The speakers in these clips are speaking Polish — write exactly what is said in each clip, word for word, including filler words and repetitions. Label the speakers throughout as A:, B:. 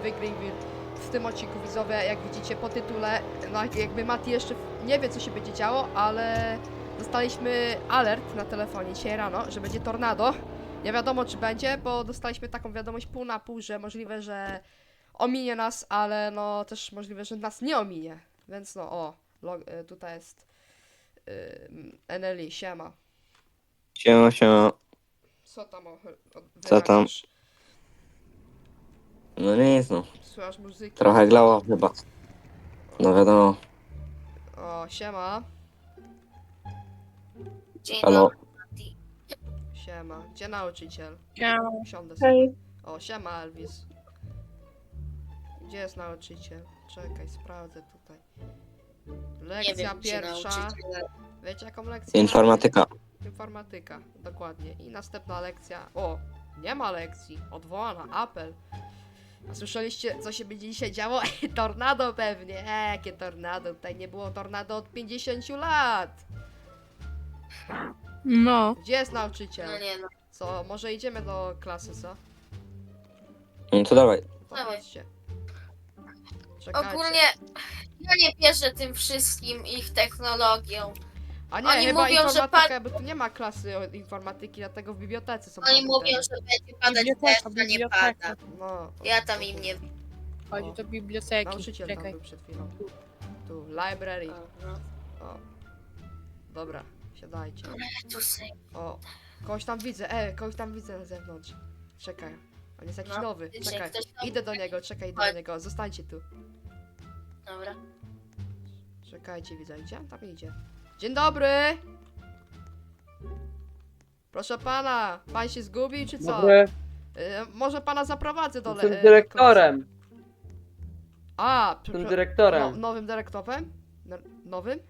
A: wygry w tym odcinku, widzowie, jak widzicie po tytule, no jakby Mati jeszcze nie wie, co się będzie działo, ale dostaliśmy alert na telefonie dzisiaj rano, że będzie tornado. Nie wiadomo, czy będzie, bo dostaliśmy taką wiadomość pół na pół, że możliwe, że ominie nas, ale no też możliwe, że nas nie ominie. Więc no, o, log, y, tutaj jest yy, Eneli, siema.
B: Siema, siema.
A: Co tam o, o,
B: Co tam?
A: wyrabiasz?
B: No nic no.
A: Słuchasz muzyki?
B: Trochę glało chyba. No wiadomo.
A: O, siema.
C: Dzień
B: Halo.
C: dobry, Mati.
A: Siema. Gdzie nauczyciel?
D: Siema.
A: Siądę sobie.
D: Hej.
A: O, siema Elvis. Gdzie jest nauczyciel? Czekaj, sprawdzę tutaj.
C: Nie
A: Lekcja
C: wiem, gdzie
A: pierwsza.
C: nauczyciele.
A: Wiecie jaką lekcję?
B: Informatyka.
A: Informatyka, dokładnie. I następna lekcja. O, nie ma lekcji. Odwołana. Apel. A słyszeliście, co się będzie dzisiaj działo? Tornado pewnie. E, jakie tornado? Tutaj nie było tornado od pięćdziesięciu lat.
D: No.
A: Gdzie jest nauczyciel?
C: No nie no.
A: Co, może idziemy do klasy, co?
B: No to dawaj.
A: Popatrzcie. Czekajcie.
C: Ogólnie ja nie wierzę tym wszystkim ich technologią.
A: A nie,
C: oni
A: chyba
C: mówią, że
A: informatyka,
C: pan-
A: bo tu nie ma klasy o- informatyki, dlatego w bibliotece są
C: Oni
A: komputery.
C: mówią, że będzie padać
D: Biblioteka,
C: deszcz, a nie
D: biblioteka.
C: pada.
A: No.
C: Ja tam im nie...
D: Chodzi do biblioteki.
A: Nauczyciel tam
D: Czekaj.
A: był przed chwilą. Tu, library.
C: Aha.
A: O. Dobra, siadajcie.
C: Tu sobie...
A: O, kogoś tam widzę, e, kogoś tam widzę na zewnątrz. Czekaj, on jest jakiś
C: No,
A: nowy,
C: wiecie,
A: czekaj.
C: ktoś tam-
A: Idę do niego, czekaj, idę do
C: Chodź.
A: niego, zostańcie tu.
C: Dobra.
A: Czekajcie, widzę, gdzie on tam idzie? Dzień dobry! Proszę pana, pan się zgubił, czy co?
E: Dobry,
A: E, może pana zaprowadzę do le- e,
E: jestem
A: do
E: dyrektorem.
A: klasy. A,
E: Jestem
A: prze- no,
E: dyrektorem.
A: nowym dyrektorem? No, nowym?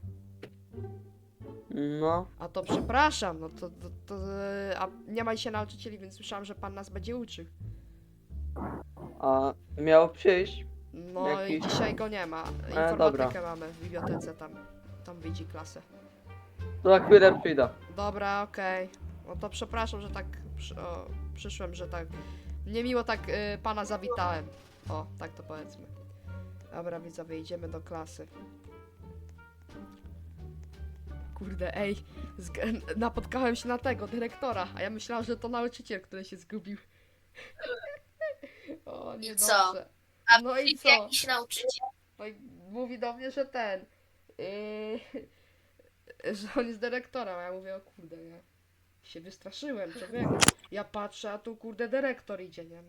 E: No,
A: A to przepraszam, no to, to, to e, a nie ma dzisiaj nauczycieli, więc słyszałam, że pan nas będzie uczył.
E: a miał przyjść.
A: No
E: Jakiś-
A: i dzisiaj go nie ma.
E: dobra.
A: Informatykę mamy w bibliotece tam. Tam widzi klasę.
E: To za chwilę przyjdę.
A: Dobra, okej. No to przepraszam, że tak przy, o, przyszłem, że tak niemiło tak y, pana zawitałem. O, tak to powiedzmy. Dobra, widzowie, idziemy do klasy. Kurde, ej, zg- napotkałem się na tego, dyrektora, a ja myślałam, że to nauczyciel, który się zgubił. O, nie
C: co? A
A: No i
C: jest
A: co?
C: jakiś nauczyciel?
A: No i mówi do mnie, że ten. Yy, że on jest dyrektorem, a ja mówię, o kurde, nie. Się wystraszyłem, człowieku. Ja patrzę, a tu kurde dyrektor idzie, nie?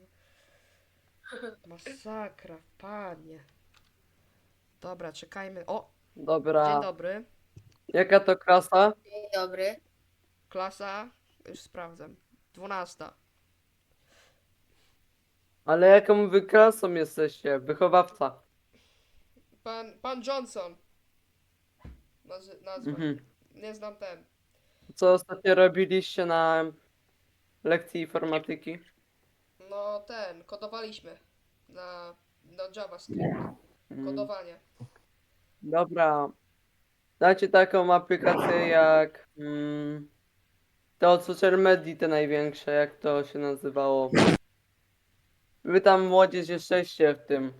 A: Masakra, panie. Dobra, czekajmy. O, dzień
E: Dobra.
A: dobry.
E: Jaka to klasa?
C: Dzień dobry.
A: Klasa, już sprawdzam. Dwunasta.
E: Ale jaką wy klasą jesteście? Wychowawca.
A: Pan, pan Johnson. Nazy- nazwa.
E: Mhm.
A: Nie znam ten.
E: Co ostatnio robiliście na lekcji informatyki?
A: No ten, kodowaliśmy. Na, na JavaScript.
E: Mm,
A: Kodowanie.
E: Dobra. Znacie taką aplikację jak mm, te od social media, te największe, jak to się nazywało? Wy tam młodzież jesteście w tym.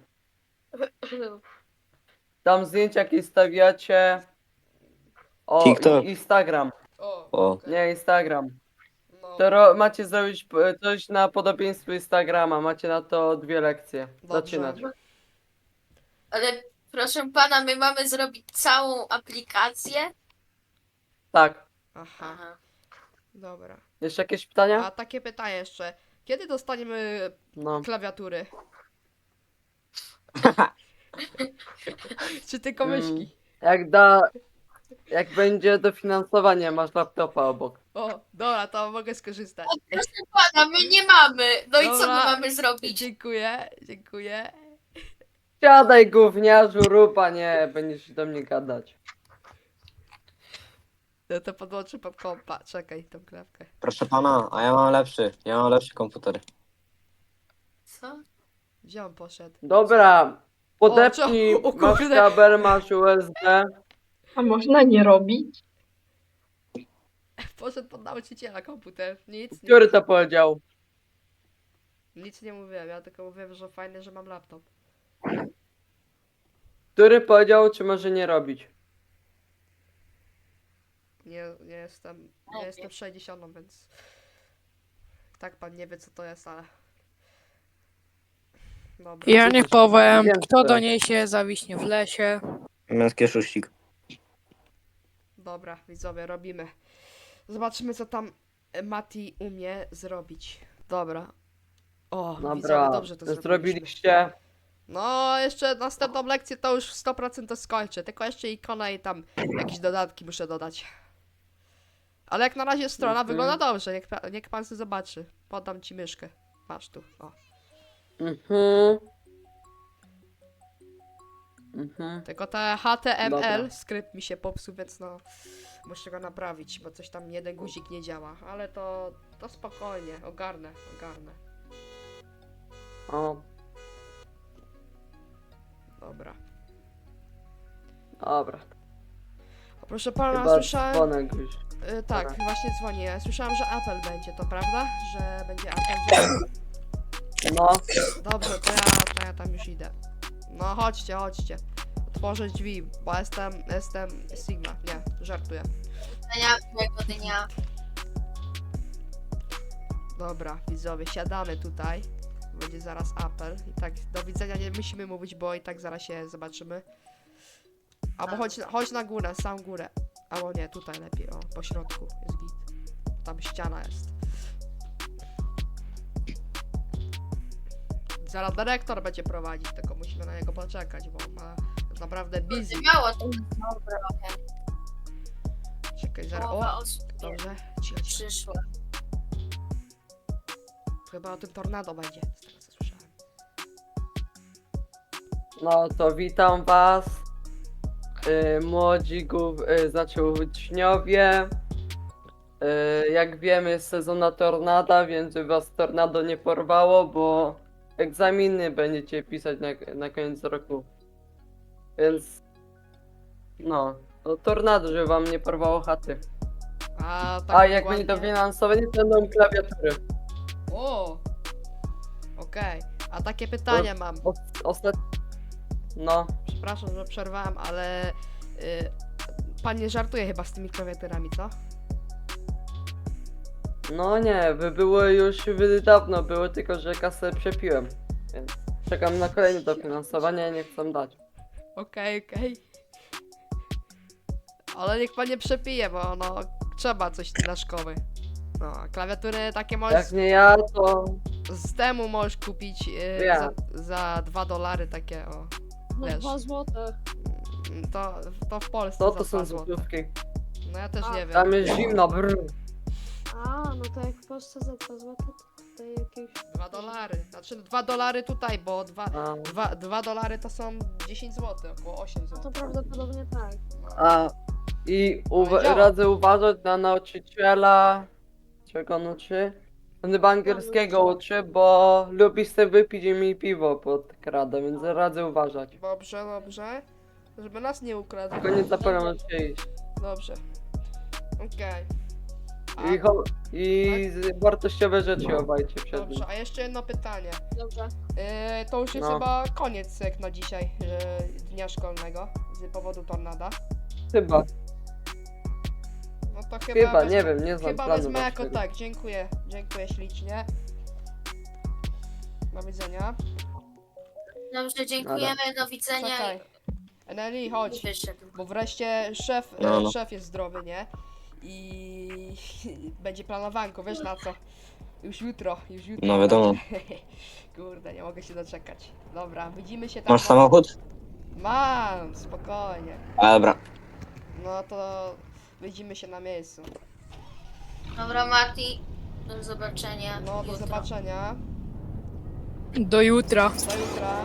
E: Tam zdjęcia jakieś stawiacie. O,
B: TikTok.
E: i- Instagram.
A: O,
B: O.
A: okej.
E: Nie, Instagram.
A: No,
E: To ro- macie zrobić p- coś na podobieństwo Instagrama. Macie na to dwie lekcje.
A: Dobrze.
E: Zaczynać.
C: Ale proszę pana, my mamy zrobić całą aplikację?
E: Tak.
A: Aha,
C: Aha.
A: dobra.
E: Jeszcze jakieś pytania?
A: A takie pytanie jeszcze. Kiedy dostaniemy
E: No.
A: klawiatury? Czy tylko
E: Mm.
A: myszki?
E: Jak da. Jak będzie dofinansowanie, masz laptopa obok.
A: O, dobra, to mogę skorzystać.
C: Proszę pana, my nie mamy. No i co my
A: Dobra.
C: mamy zrobić?
A: Dziękuję, dziękuję.
E: Siadaj gówniarzu, rupa, nie, będziesz do mnie gadać.
A: No to podłączę pod kompa. Czekaj, tą klawkę.
B: Proszę pana, a ja mam lepszy. Ja mam lepszy komputer.
C: Co?
A: Gdzie on poszedł?
E: Dobra. Podepnij,
A: O, co? O
E: masz
A: kurde.
E: kabel, masz U S B.
D: A można nie robić?
A: Poszedł pod nauczyciela komputer. Nic, nic.
E: Który to powiedział?
A: Nic nie mówiłem, ja tylko mówiłem, że fajnie, że mam laptop.
E: Który powiedział, czy może nie robić?
A: Nie, nie jestem, nie jestem sześćdziesiąt, więc... Tak pan nie wie, co to jest, ale... Dobra.
D: Ja nie powiem,
E: Wiem,
D: kto
E: że-
D: doniesie zawiśnie w lesie.
B: Męski szuścik.
A: Dobra, widzowie, robimy. Zobaczymy, co tam e, Mati umie zrobić. Dobra. O, widzowie,
E: Dobra,
A: dobrze to zrobiliśmy.
E: zrobiliście.
A: No, jeszcze następną lekcję to już sto procent to skończę. Tylko jeszcze ikona i tam jakieś dodatki muszę dodać. Ale jak na razie strona
E: Mhm.
A: wygląda dobrze. Niech, pa- niech pan sobie zobaczy. Podam ci myszkę. Masz tu. O.
E: Mhm. Mhm.
A: Tylko te H T M L
E: Dobra.
A: skrypt mi się popsuł, więc no muszę go naprawić, bo coś tam jeden guzik nie działa. Ale to, to spokojnie, ogarnę, ogarnę.
E: O,
A: Dobra.
E: dobra.
A: A proszę pana,
E: Chyba
A: słyszałem...
E: dzwonek już.
A: Y, tak,
E: Dobra.
A: właśnie dzwonię. Słyszałam, że apel będzie, to prawda? Że będzie apel.
E: No,
A: Dobrze, to ja, to ja tam już idę. No chodźcie, chodźcie. Otworzę drzwi, bo jestem, jestem Sigma. Nie, żartuję.
C: Dnia, miłego dnia.
A: Dobra, widzowie, siadamy tutaj. Będzie zaraz apel. I tak, do widzenia nie musimy mówić, bo i tak zaraz się zobaczymy. Albo chodź, na- chodź na górę, sam górę. Albo nie, tutaj lepiej, o, po środku jest git. Tam ściana jest. Zaraz dyrektor będzie prowadzić, tylko musimy na niego poczekać, bo ma naprawdę busy.
C: Miało to trochę.
A: Czekaj, zaraz,
C: Połowa
A: o,
C: osób nie
A: dobrze, cicho, cicho.
C: przyszła.
A: Chyba o tym tornado będzie, z tego co słyszałem.
E: no to witam was. Y, młodzi gó- y, znaczy uczniowie. Y, jak wiemy jest sezon na tornada, więc by was tornado nie porwało, bo egzaminy będziecie pisać na, na koniec roku. Więc no, to tornado, żeby wam nie porwało chaty.
A: A, tak
E: A jak
A: dokładnie?
E: będzie dofinansowanie, to będą klawiatury.
A: O! Okej, a takie pytanie mam.
E: O, ostat... No,
A: Przepraszam, że przerwałem, ale... Y, pan nie żartuje chyba z tymi klawiaturami, co?
E: no nie, by były już by dawno były, tylko że kasę przepiłem. Więc czekam na kolejne dofinansowanie, nie chcę dać.
A: Okej, okej. Ale niech pan nie przepije, bo no trzeba coś dla szkoły. No, a klawiatury takie możesz
E: Jak nie ja, to
A: z temu możesz kupić y,
E: Ja.
A: za, za dwa dolary takie o.
D: No
A: Wiesz.
D: dwa złote.
A: Mm, To, to w Polsce
E: to,
A: za
E: to
A: dwa
E: są
A: złote.
E: złotówki.
A: No ja też
D: A,
A: nie wiem.
E: Tam jest zimno, brr.
F: A, no to jak w Polsce za dwa złote, to tutaj jakieś...
A: Dwa dolary. Znaczy dwa dolary tutaj, bo dwa,
E: A,
A: dwa, dwa dolary to są dziesięć złotych, około osiem
F: No to
A: złotych.
F: prawdopodobnie tak.
E: a i uwa-
A: Powiedziałem.
E: radzę uważać na nauczyciela, czego on uczy. On chyba angielskiego uczy, bo lubi sobie wypić i mi piwo pod kradę, więc radzę uważać.
A: Dobrze, dobrze. Żeby nas nie ukradł.
E: Tylko nie zapomnę się iść.
A: Dobrze. Okej.
E: I, cho- i z- wartościowe rzeczy chowajcie przed nim.
A: Dobrze, a jeszcze jedno pytanie.
F: Dobrze.
A: Yy, to już jest
E: No.
A: chyba koniec jak na dzisiaj yy, dnia szkolnego z powodu tornada.
E: Chyba,
A: No to chyba,
E: chyba,
A: wezmę,
E: nie wiem, nie znam
A: chyba
E: planu
A: wezmę jako
E: waszego.
A: tak. Dziękuję. Dziękuję ślicznie. Do widzenia.
C: Dobrze, dziękujemy, do widzenia
A: Czekaj. Eneli,
C: i
A: chodź.
C: wyszedł.
A: Bo wreszcie szef,
B: No,
A: e,
B: no.
A: szef jest zdrowy, nie? I będzie planowanko, wiesz na co? Już jutro, już jutro.
B: No wiadomo.
A: będzie. Kurde, nie mogę się doczekać. Dobra, widzimy się tam.
B: Masz samochód?
A: Mam, spokojnie.
B: A, dobra.
A: No to widzimy się na miejscu.
C: Dobra, Mati, do zobaczenia.
A: No do
C: jutro.
A: zobaczenia.
D: Do jutra.
A: Do jutra.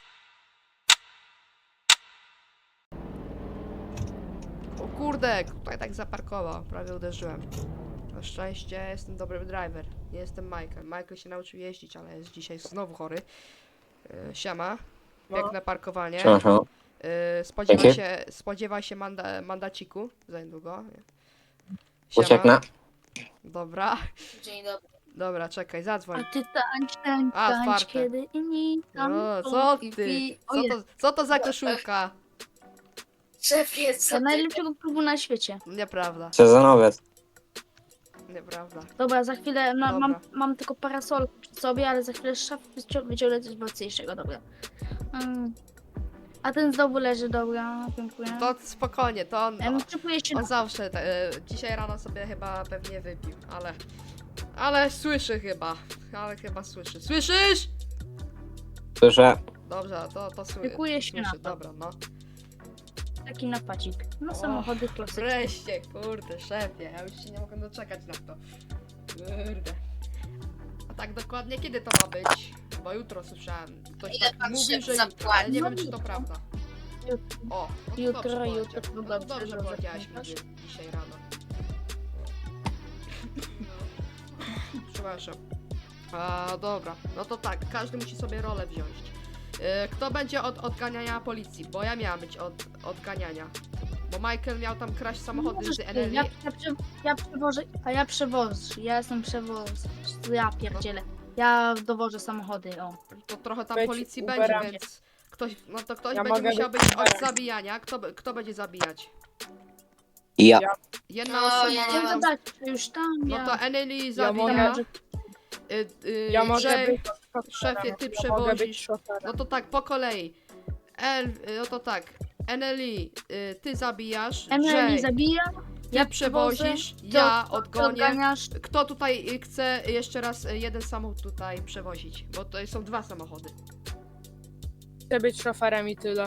A: O kurde, tutaj tak zaparkował, prawie uderzyłem. Na szczęście jestem dobrym driver. Nie jestem Michael. Michael się nauczył jeździć, ale jest dzisiaj znowu chory. Yy, siema. Piękne parkowanie.
B: Siema, siema.
A: Yy, spodziewaj
B: Dzięki.
A: się, spodziewaj się manda, mandaciku za niedługo.
B: Ucieknę.
A: Dobra.
C: Dzień dobry.
A: Dobra, czekaj,
F: A
A: zadzwoń.
F: ty tańcz, tańcz,
A: A,
F: tańcz,
A: otwarte.
F: kiedy inni tam
A: O,
F: są
A: co
F: i
A: ty?
F: pi- O
A: Co
F: jest,
A: to, co to za koszulka?
C: Szefie, co
F: to
C: ty?
F: najlepszego klubu na świecie.
A: Nieprawda,
B: Sezonowiec.
A: nieprawda.
F: Dobra, za chwilę no,
A: Dobra.
F: mam, mam tylko parasol przy sobie, ale za chwilę z szafy wycią- wyciągnę coś mocniejszego, dobra. Mm. A ten znowu leży, dobra, dziękuję.
A: To spokojnie, to on,
F: Em, Przypuję się
A: on
F: na...
A: zawsze, te, e, dzisiaj rano sobie chyba pewnie wypił, ale, ale słyszy chyba, ale chyba słyszy. Słyszysz?
B: Słyszę.
A: Dobrze, to, to słyszy.
F: Szykuję się na
A: Słyszy,
F: to.
A: dobra, no.
F: taki napacik. No
A: O,
F: samochody klasyczne.
A: Wreszcie, kurde, szefie, ja już się nie mogę doczekać na to. Kurde. A tak dokładnie kiedy to ma być? Bo jutro słyszałem. Ktoś
C: Ile
A: tak
C: pan
A: mówi,
C: szef
A: że jutro,
C: zapłaci?
A: ale nie
F: No
A: wiem czy to
F: jutro.
A: prawda.
F: Jutro.
A: O, no to
F: Jutro,
A: dobrze
F: jutro,
A: powiedział.
F: no
A: No to
F: dobrze,
A: dobrze
F: dobrze
A: powiedziałaś mi
F: pamiętasz.
A: dzisiaj rano. Przepraszam. A, dobra, no to tak, każdy musi sobie rolę wziąć. E, Kto będzie od odganiania policji? Bo ja miałam być od odganiania. Bo Michael miał tam kraść samochody
F: Możesz
A: z
F: ty,
A: Eneli.
F: ja, ja, prze, ja przewożę, a ja przewożę, ja jestem przewoz, ja pierdzielę. Ja dowożę samochody, o.
A: To trochę tam
D: Być
A: policji
D: Uberem.
A: będzie, więc ktoś, no to ktoś
D: Ja
A: będzie
D: mogę
A: musiał
D: być
A: być od
D: Uberem.
A: zabijania. Kto, be- kto będzie zabijać?
B: Ja.
A: Jedna
C: No,
A: osoba.
C: ja nie
F: No
C: mam-
F: to dać, już tam,
A: No
F: ja...
A: to Eneli
D: Ja
A: zabija.
D: mogę,
A: y, y,
D: ja mogę
A: Jay,
D: być szoferem.
A: szefie, ty
D: Ja mogę być
A: przewozisz.
D: szoferem.
A: No to tak, po kolei. El, y, no to tak. Eneli, y, ty zabijasz.
F: Emily
A: Jay,
F: zabija,
A: ty
F: ja
A: przewozisz.
F: ty
A: Ja
F: od-
A: odgonię.
F: odganiasz.
A: Kto tutaj y, chce jeszcze raz y, jeden samochód tutaj przewozić? Bo to są dwa samochody.
D: Chcę być szoferem i tyle.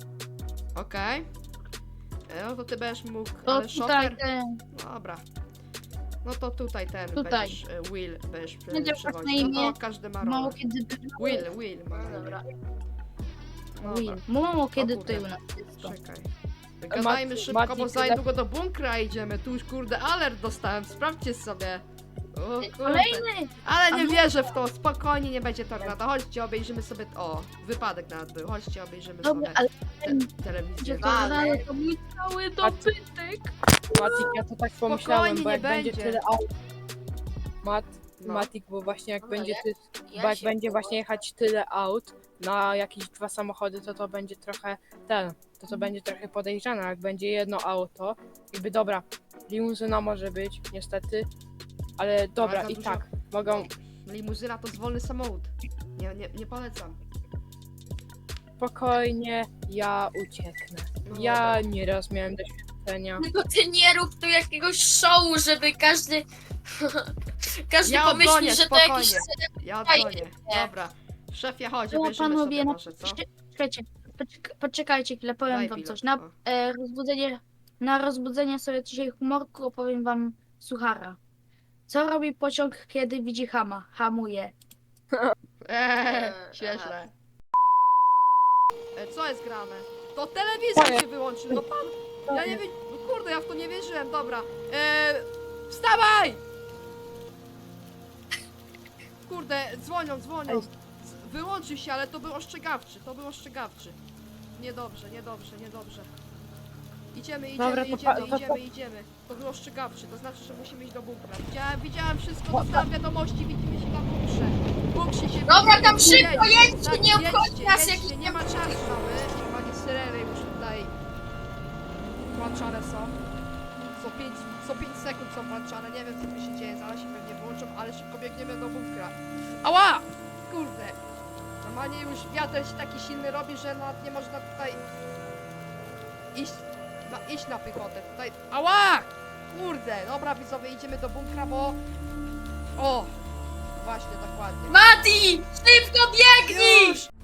A: Okej. E, No to ty będziesz mógł,
F: To
A: ale
F: tutaj
A: szofer...
F: ten,
A: Dobra. No to tutaj ten
F: Tutaj.
A: będziesz, e, Will będziesz prze-
F: Będzie
A: przewozić.
F: na
A: No
F: imię.
A: to każdy ma
F: mało
A: rolę.
F: kiedy...
A: Will, Will ma
C: No
A: na imię.
C: dobra.
A: Dobra,
F: Will. Mało kiedy
A: kurde.
F: tutaj u nas jest to.
A: czekaj. Gadajmy
D: Mati-
A: szybko, bo
D: Mati,
A: za
D: tyle-
A: niedługo do bunkra idziemy. Tu już kurde alert dostałem, sprawdźcie sobie. O, kurde.
F: Kolejny!
A: Ale nie
F: A no-
A: wierzę w to, spokojnie, nie będzie tornado. Chodźcie, obejrzymy sobie... O, wypadek nawet był. Chodźcie, obejrzymy
F: Dobra,
A: sobie
F: ale
A: te, telewizję.
F: będzie to
C: Wale.
F: ale to mój cały dobytek.
D: Matik, ja to tak pomyślałem, bo
A: nie
D: jak będzie
A: będzie.
D: tyle aut... Mat,
A: No.
D: Matik, bo właśnie jak
C: No
D: będzie
C: ja-
D: ty,
C: ja
D: bo jak
C: się
D: będzie
C: było.
D: właśnie jechać tyle aut na jakieś dwa samochody, to to będzie trochę ten, to to będzie trochę podejrzane, jak będzie jedno auto, jakby dobra, limuzyna może być, niestety, ale dobra,
A: za
D: i
A: dużo-
D: tak, mogą
A: Limuzyna to wolny samochód. Nie, nie, nie polecam.
D: spokojnie, ja ucieknę.
A: No
D: Ja
A: dobra.
D: nieraz miałem doświadczenia.
C: Tylko ty nie rób tu jakiegoś showu, żeby każdy... każdy
A: Ja
C: pomyśli,
A: odgonię,
C: że to
A: spokojnie.
C: jakiś...
A: Ja
C: Fajnie.
A: odgonię. Dobra. Szefie, chodź,
F: No
A: obejrzymy
F: panowie,
A: sobie
F: no
A: może, co?
F: czekajcie, poczek- poczekajcie chwilę, powiem
A: Daj
F: wam
A: bilet,
F: coś. Na
A: o.
F: e, rozbudzenie, na rozbudzenie sobie dzisiaj humorku opowiem wam suchara. Co robi pociąg, kiedy widzi hama? Hamuje.
A: Eee,
C: Eee,
A: świeżle. E, co jest grane? To telewizor się wyłączy, no pan... Ja nie wiem... No kurde, ja w to nie wierzyłem, dobra. Eee, wstawaj! Kurde, dzwonią, dzwonią. Z- Wyłączył się, ale to był ostrzegawczy, to był ostrzegawczy. Niedobrze, niedobrze, niedobrze. Idziemy, idziemy,
D: Dobra, to
A: idziemy,
D: pa- to-
A: idziemy, idziemy. To był ostrzegawczy, to znaczy, że musimy iść do bunkra. Widziałem, widziałem wszystko, dostałem wiadomości, widzimy się na bunkrze. W bunkrze się
C: Dobra,
A: widzimy.
C: tam szybko
A: Jedźcie,
C: jedźcie,
A: tak,
C: nie obchodzi
A: jedźcie,
C: nas,
A: jedźcie,
C: jaki
A: nie ma czasu mamy. Panie syreny już tutaj włączane są. Co pięć, co pięć sekund są włączane, nie wiem co tu się dzieje, zaraz się pewnie włączą, ale szybko biegniemy do bunkra. Ała! Kurde! Normalnie już wiatr się taki silny robi, że nawet nie można tutaj iść na, iść na piechotę. Tutaj. Ała! Kurde! Dobra widzowie, idziemy do bunkra, bo... O! Właśnie, dokładnie.
C: Mati! Szybko biegnij!
A: Już!